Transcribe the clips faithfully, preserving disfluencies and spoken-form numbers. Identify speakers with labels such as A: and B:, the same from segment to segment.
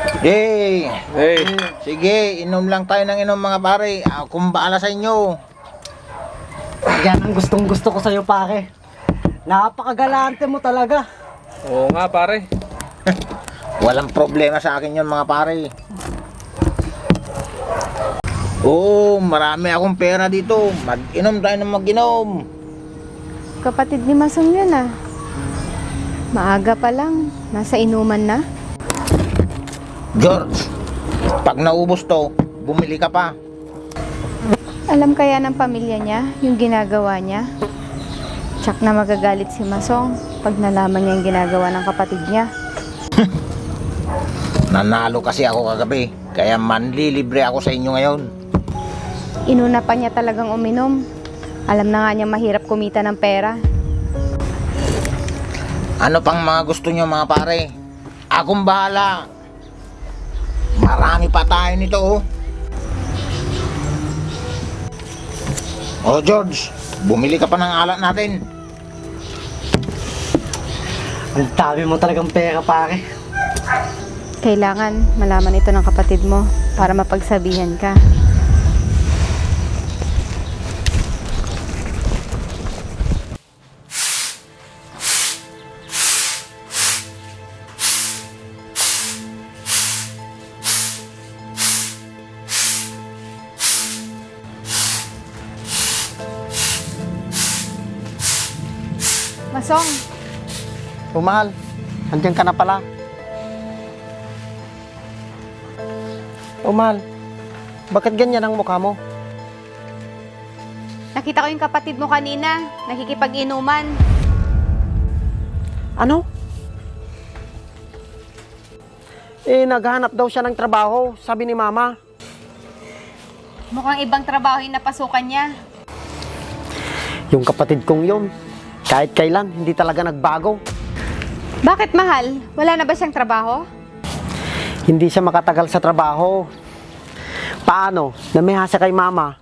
A: Yay!
B: Hey,
A: Sige, inom lang tayo ng inom mga pare. Akong baala sa inyo.
C: Yan ang gustong gusto ko sa'yo, pare. Napakagalante mo talaga.
B: oo nga pare.
A: Walang problema sa akin yun mga pare. Oo, marami akong pera dito. Mag-inom tayo ng mag-inom.
D: Kapatid ni Masong yun ah. Maaga pa lang, nasa inuman na.
A: George, pag naubos to, bumili ka pa.
D: Alam kaya ng pamilya niya yung ginagawa niya? Tsak na magagalit si Masong pag nalaman niya yung ginagawa ng kapatid niya.
A: Nanalo kasi ako kagabi, kaya manlilibre ako sa inyo ngayon.
D: Inuna pa niya talagang uminom. Alam na nga niya mahirap kumita ng pera.
A: Ano pang mga gusto nyo mga pare? Akong bahala. Marami pa tayo nito oh. Oh George, bumili ka pa ng alak natin.
C: Ang dami mo talagang pera, pare.
D: Kailangan malaman ito ng kapatid mo para mapagsabihan ka. Masong,
C: O mahal, andyan ka na pala. O mahal, bakit ganyan ang mukha mo?
D: nakita ko yung kapatid mo kanina, nakikipag-inuman.
C: Ano? Eh, naghahanap daw siya ng trabaho, sabi ni Mama.
D: Mukhang ibang trabaho yung napasukan niya.
C: Yung kapatid kong yun, kahit kailan, hindi talaga nagbago.
D: Bakit mahal? Wala na ba siyang trabaho?
C: Hindi siya makatagal sa trabaho. Paano? Namihasa kay Mama.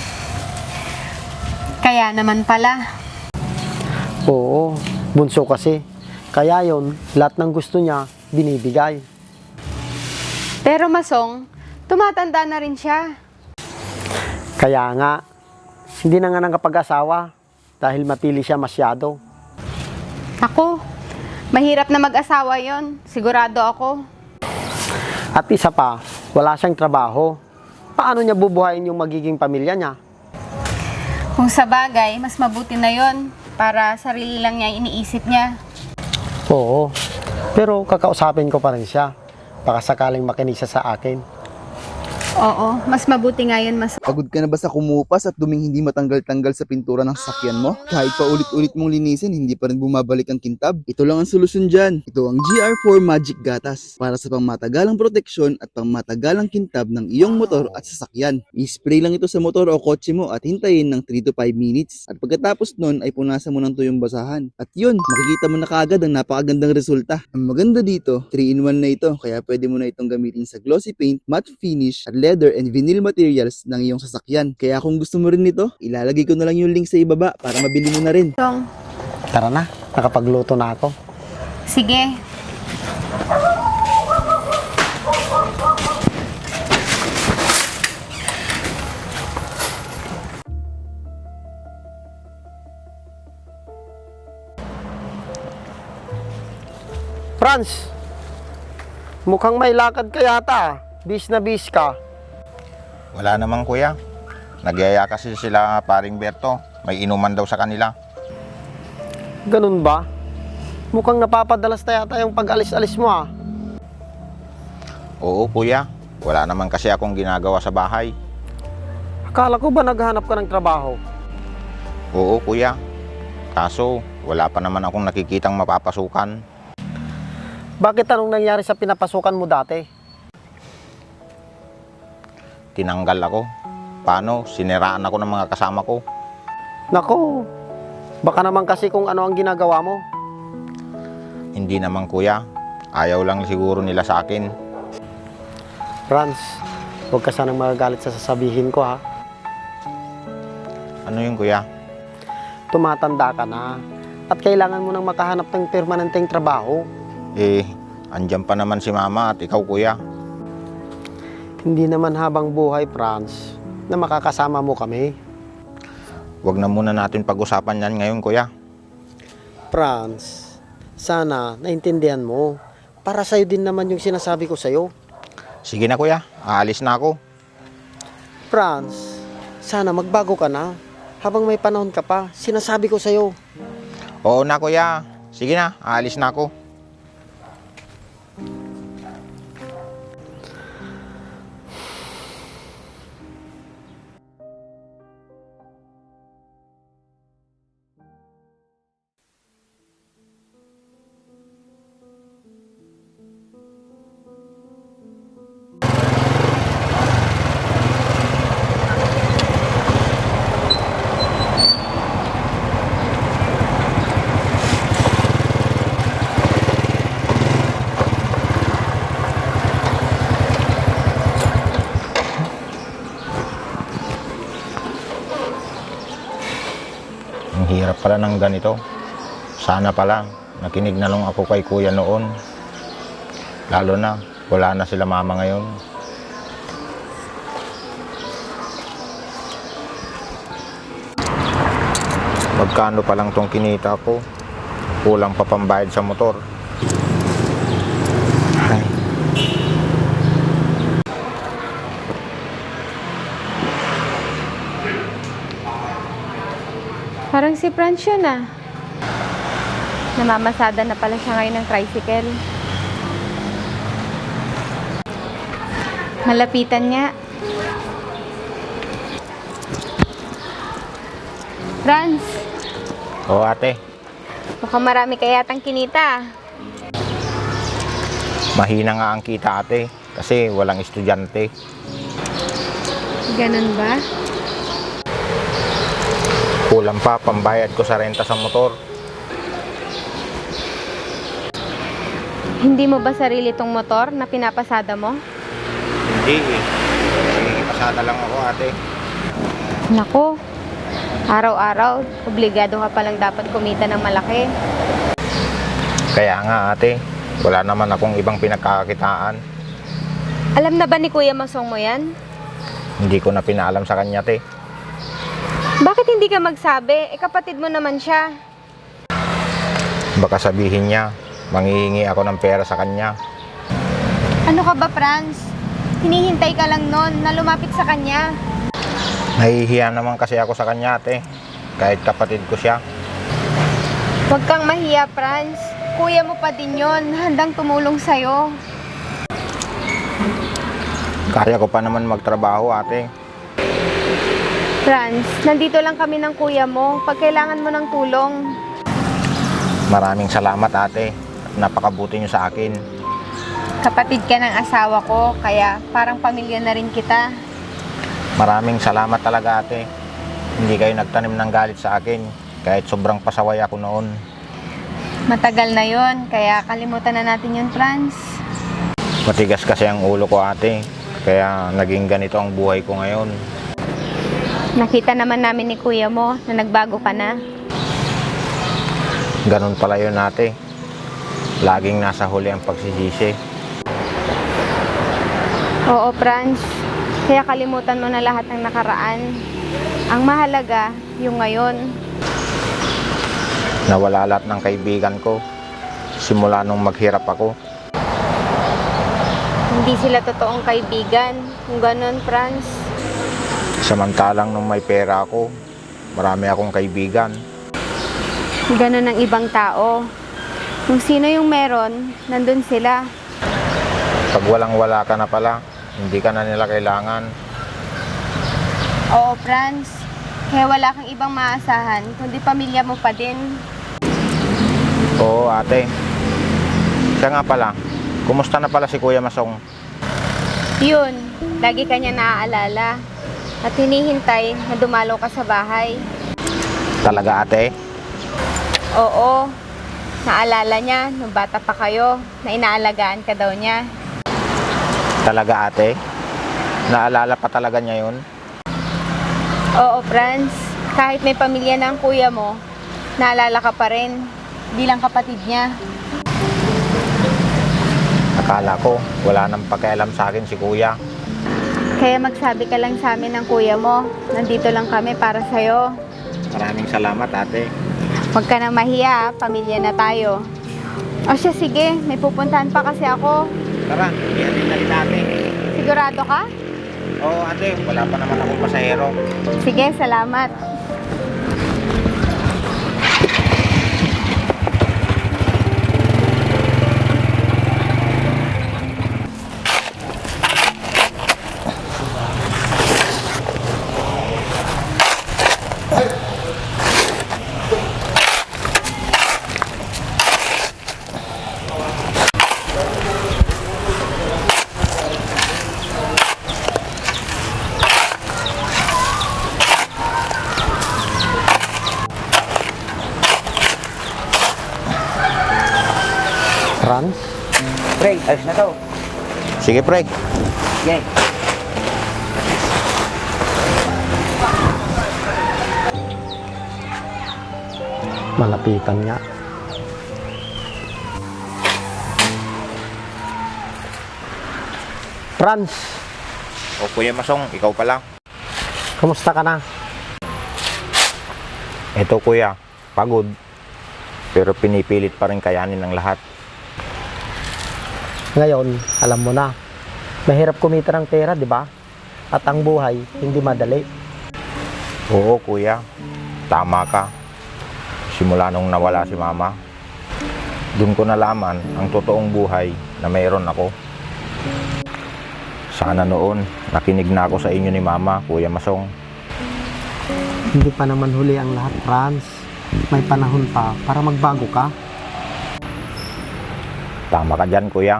D: Kaya naman pala.
C: Oo, bunso kasi. Kaya yon, lahat ng gusto niya, binibigay.
D: Pero Masong, tumatanda na rin siya.
C: Kaya nga, hindi na nga nakapag-asawa dahil matili siya masyado.
D: Ako, mahirap na mag-asawa yon. Sigurado ako.
C: At isa pa, wala siyang trabaho. Paano niya bubuhayin yung magiging pamilya niya?
D: Kung sa bagay, mas mabuti na yon para sarili lang niya iniisip niya.
C: Oo, pero kakausapin ko pa rin siya. Baka sakaling makinig siya sa akin.
D: Oo, mas mabuti nga yun, Masong.
E: Pagod ka na ba sa kumupas at duming hindi matanggal-tanggal sa pintura ng sasakyan mo? Kahit pa ulit-ulit mong linisin, hindi pa rin bumabalik ang kintab? Ito lang ang solusyon dyan. Ito ang G R four Magic Gatas para sa pangmatagalang proteksyon at pangmatagalang kintab ng iyong motor at sasakyan. I-spray lang ito sa motor o kotse mo at hintayin ng three to five minutes. At pagkatapos nun ay punasan mo ng tuyong basahan. At yun, makikita mo na kaagad ang napakagandang resulta. Ang maganda dito, three in one na ito kaya pwede mo na itong gamitin sa glossy paint, matte finish at leather and vinyl materials ng iyong sasakyan. Kaya kung gusto mo rin nito, ilalagay ko na lang yung link sa ibaba para mabili mo na rin.
D: Masong,
C: Tara na, nakapagluto na ako.
D: sige.
C: Franz, mukhang may lakad ka yata. Bis na bis ka.
A: Wala naman kuya. Nagyaya kasi sila paring Berto. May inuman daw sa kanila.
C: Ganun ba? Mukhang napapadalas na yata yung pag-alis-alis mo ah.
A: Oo kuya. Wala naman kasi akong ginagawa sa bahay.
C: Akala ko ba naghahanap ka ng trabaho?
A: Oo kuya. Kaso wala pa naman akong nakikitang mapapasukan.
C: Bakit anong nangyari sa pinapasukan mo dati?
A: Tinanggal ako. Paano? Siniraan ako ng mga kasama ko.
C: Nako, baka naman kasi kung ano ang ginagawa mo.
A: Hindi naman kuya. Ayaw lang siguro nila sa akin.
C: Franz, huwag ka sanang magagalit sa sasabihin ko ha.
A: Ano yun kuya?
C: Tumatanda ka na at kailangan mo nang makahanap ng permanenteng trabaho.
A: Eh, andyan pa naman si mama at ikaw kuya.
C: Hindi naman habang buhay, Franz, na makakasama mo kami.
A: Huwag na muna natin pag-usapan yan ngayon, kuya.
C: Franz, sana naintindihan mo. Para sa'yo din naman yung sinasabi ko sa'yo.
A: Sige na, kuya. Aalis na ako.
C: Franz, sana magbago ka na. Habang may panahon ka pa, sinasabi ko sa'yo.
A: Oo na, kuya. Sige na. Aalis na ako. Ang hirap pala ng ganito. Sana pala, nakinig na lang ako kay kuya noon. Lalo na, wala na sila mama ngayon. Magkano pa lang tong kinita ko? Kulang pa pambayad sa motor. Ay.
D: Parang si Franz yun ah. Namamasada na pala siya ngayon ng tricycle. Malapitan nga. Franz,
A: Oo, ate.
D: mukhang marami ka yatang kinita.
A: Mahina nga ang kita, ate. Kasi walang estudyante.
D: Ganun ba?
A: Kulang pa pambayad ko sa renta sa motor.
D: Hindi mo ba sarili tong motor na pinapasada mo?
A: Hindi eh. Pasada lang ako, ate.
D: Nako, araw-araw, obligado ka palang dapat kumita ng malaki.
A: Kaya nga, ate. Wala naman akong ibang pinagkakakitaan.
D: Alam na ba ni Kuya Masong mo yan?
A: Hindi ko na pinaalam sa kanya, te.
D: Bakit hindi ka magsabi? Eh, kapatid mo naman siya.
A: Baka sabihin niya, manghihingi ako ng pera sa kanya.
D: Ano ka ba, Franz? Hinihintay ka lang nun na lumapit sa kanya.
A: Nahihiya naman kasi ako sa kanya, ate. Kahit kapatid ko siya.
D: Huwag kang mahiya, Franz. Kuya mo pa din yon, handang tumulong sa'yo.
A: Kaya ko pa naman magtrabaho, ate.
D: Franz, nandito lang kami ng kuya mo pag kailangan mo ng tulong.
A: Maraming salamat, ate. Napakabuti niyo sa akin.
D: Kapatid ka ng asawa ko, kaya parang pamilya na rin kita.
A: Maraming salamat talaga, ate. Hindi kayo nagtanim ng galit sa akin. Kahit sobrang pasaway ako noon.
D: Matagal na yon, kaya kalimutan na natin yun, Franz.
A: Matigas kasi ang ulo ko, ate. Kaya naging ganito ang buhay ko ngayon.
D: Nakita naman namin ni kuya mo na nagbago ka na.
A: Ganun pala yun, ate. Laging nasa huli ang pagsisisi.
D: Oo, Franz. Kaya kalimutan mo na lahat ng nakaraan. Ang mahalaga, yung ngayon.
A: Nawala lahat ng kaibigan ko. Simula nung maghirap ako.
D: Hindi sila totoong kaibigan. Kung ganun, Franz.
A: Samantalang nung may pera ako, marami akong kaibigan.
D: Ganun ang ibang tao. Kung sino yung meron, nandun sila.
A: Pag walang-wala ka na pala, hindi ka na nila kailangan.
D: Oo, Franz. Kaya wala kang ibang maasahan, kundi pamilya mo pa din.
A: Oo, ate. Siya nga pala, kumusta na pala si Kuya Masong?
D: Yun, lagi kanya naaalala. At hinihintay na dumalo ka sa bahay.
A: Talaga, ate?
D: Oo, naalala niya nung bata pa kayo na inaalagaan ka daw niya.
A: Talaga, ate? Naalala pa talaga niya yun?
D: Oo, Franz. Kahit may pamilya na ang kuya mo, naalala ka pa rin bilang kapatid niya.
A: Akala ko, wala nang pakialam sa akin si Kuya.
D: Kaya magsabi ka lang sa amin ng kuya mo. Nandito lang kami para sa'yo.
A: Maraming salamat, ate.
D: Huwag ka na mahiya, pamilya na tayo. O siya, sige, may pupuntahan pa kasi ako.
A: Tara, ihatid na rin ate.
D: Sigurado ka?
A: Oo, ate. Wala pa naman akong pasahero.
D: Sige, salamat.
C: Franz,
B: Pre, ayos na to.
A: Sige, pre.
B: Sige.
C: malapitan nga. Franz,
A: O Kuya Masong, ikaw pala.
C: kumusta ka na?
A: Ito kuya, pagod. Pero pinipilit pa rin kayanin ng lahat.
C: Ngayon, alam mo na, mahirap kumita ng pera, di ba? At ang buhay, hindi madali.
A: Oo kuya, tama ka. Simula nung nawala si mama, doon ko nalaman ang totoong buhay na mayroon ako. Sana noon, nakinig na ako sa inyo ni mama, Kuya Masong.
C: Hindi pa naman huli ang lahat, Franz. May panahon pa para magbago ka.
A: Tama ka dyan kuya.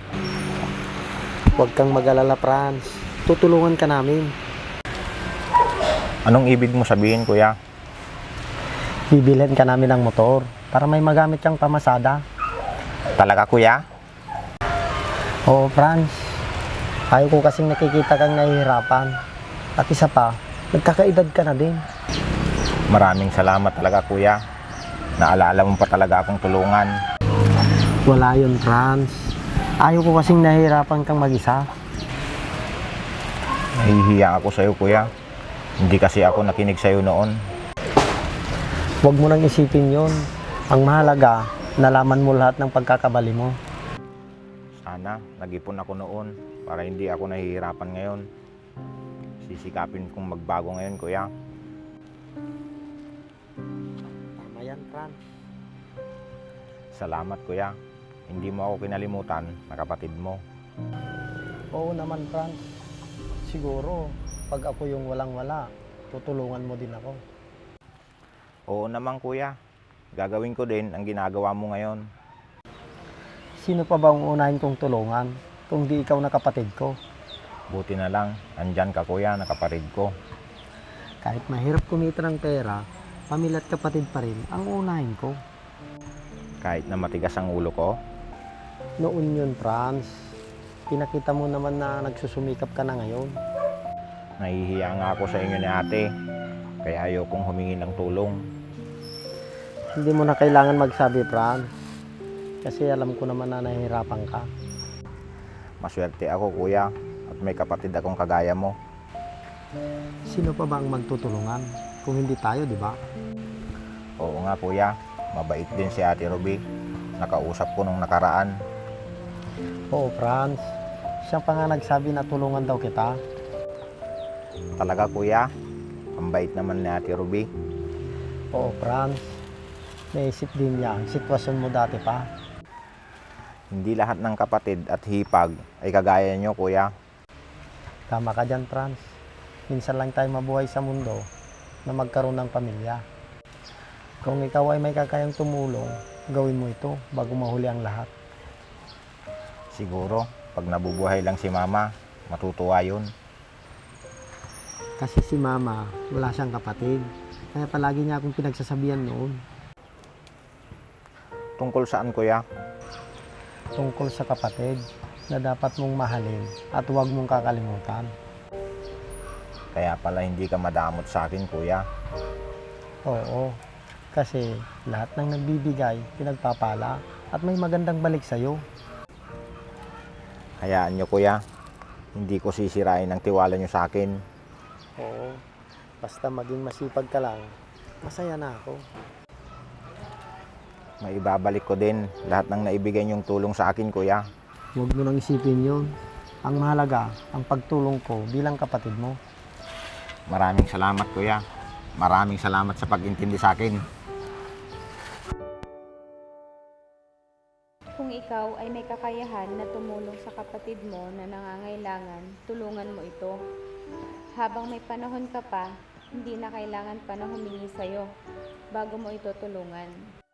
C: Huwag kang mag-alala, Franz. Tutulungan ka namin.
A: Anong ibig mo sabihin kuya?
C: Bibilhin ka namin ng motor para may magamit kang pamasada.
A: Talaga kuya?
C: Oo, Franz. Ayaw ko kasing nakikita kang nahihirapan. At isa pa, nagkakaedad ka na din.
A: Maraming salamat talaga kuya. Naalala mo pa talaga akong tulungan.
C: Wala yun, Franz. Ayaw ko kasing nahihirapan kang mag-isa.
A: Nahihiya ako sa'yo kuya. Hindi kasi ako nakinig sa'yo noon.
C: Huwag mo nang isipin yun. Ang mahalaga, nalaman mo lahat ng pagkakabali mo.
A: Sana nag-ipon ako noon para hindi ako nahihirapan ngayon. Sisikapin kong magbago ngayon kuya.
C: Tama yan, Franz.
A: Salamat kuya. Hindi mo ako kinalimutan na kapatid mo.
C: Oo naman, Franz. Siguro, pag ako yung walang-wala, tutulungan mo din ako.
A: Oo naman kuya. Gagawin ko din ang ginagawa mo ngayon.
C: Sino pa ba ang unahin kong tulungan kung di ikaw na kapatid ko?
A: Buti na lang, andyan ka kuya na kapatid ko.
C: Kahit mahirap kumita ng pera, pamilya at kapatid pa rin ang unahin ko.
A: Kahit na matigas ang ulo ko,
C: Noon yun, Franz. Pinakita mo naman na nagsusumikap ka na ngayon.
A: nahihiya nga ako sa inyo ni ate. Kaya ayokong humingi ng tulong.
C: Hindi mo na kailangan magsabi, Franz. Kasi alam ko naman na nahihirapan ka.
A: Maswerte ako kuya at may kapatid akong kagaya mo.
C: Sino pa ba ang magtutulungan kung hindi tayo, di ba?
A: Oo nga kuya, mabait din si Ate Ruby. Nakausap ko nung nakaraan.
C: Oo, Franz. Siya pa nga nagsabi na tulungan daw kita.
A: Talaga kuya, ang bait naman ni Ate Ruby.
C: Oo, Franz. Naisip din niya ang sitwasyon mo dati pa.
A: Hindi lahat ng kapatid at hipag ay kagaya nyo kuya.
C: Tama ka dyan, Franz. Minsan lang tayo mabuhay sa mundo na magkaroon ng pamilya. Kung ikaw ay may kakayang tumulong, gawin mo ito bago mahuli ang lahat.
A: Siguro, pag nabubuhay lang si mama, matutuwa yun.
C: Kasi si mama, wala siyang kapatid. Kaya palagi niya akong pinagsasabihan noon.
A: Tungkol saan kuya?
C: Tungkol sa kapatid na dapat mong mahalin at huwag mong kakalimutan.
A: Kaya pala hindi ka madamot sa akin kuya.
C: Oo, kasi lahat ng nagbibigay, pinagpapala at may magandang balik sa'yo.
A: Hayaan nyo kuya, Hindi ko sisirain ang tiwala nyo sa akin.
C: Oo, basta maging masipag ka lang, masaya na ako.
A: Maibabalik ko din lahat ng naibigay nyong tulong sa akin, kuya.
C: Huwag mo nang isipin yun. Ang mahalaga, ang pagtulong ko bilang kapatid mo.
A: Maraming salamat, kuya. Maraming salamat sa pag-intindi sa akin.
D: Kung ikaw ay may kakayahan na tumulong sa kapatid mo na nangangailangan, tulungan mo ito. Habang may panahon ka pa, hindi na kailangan pa na humingi sa'yo bago mo ito tulungan.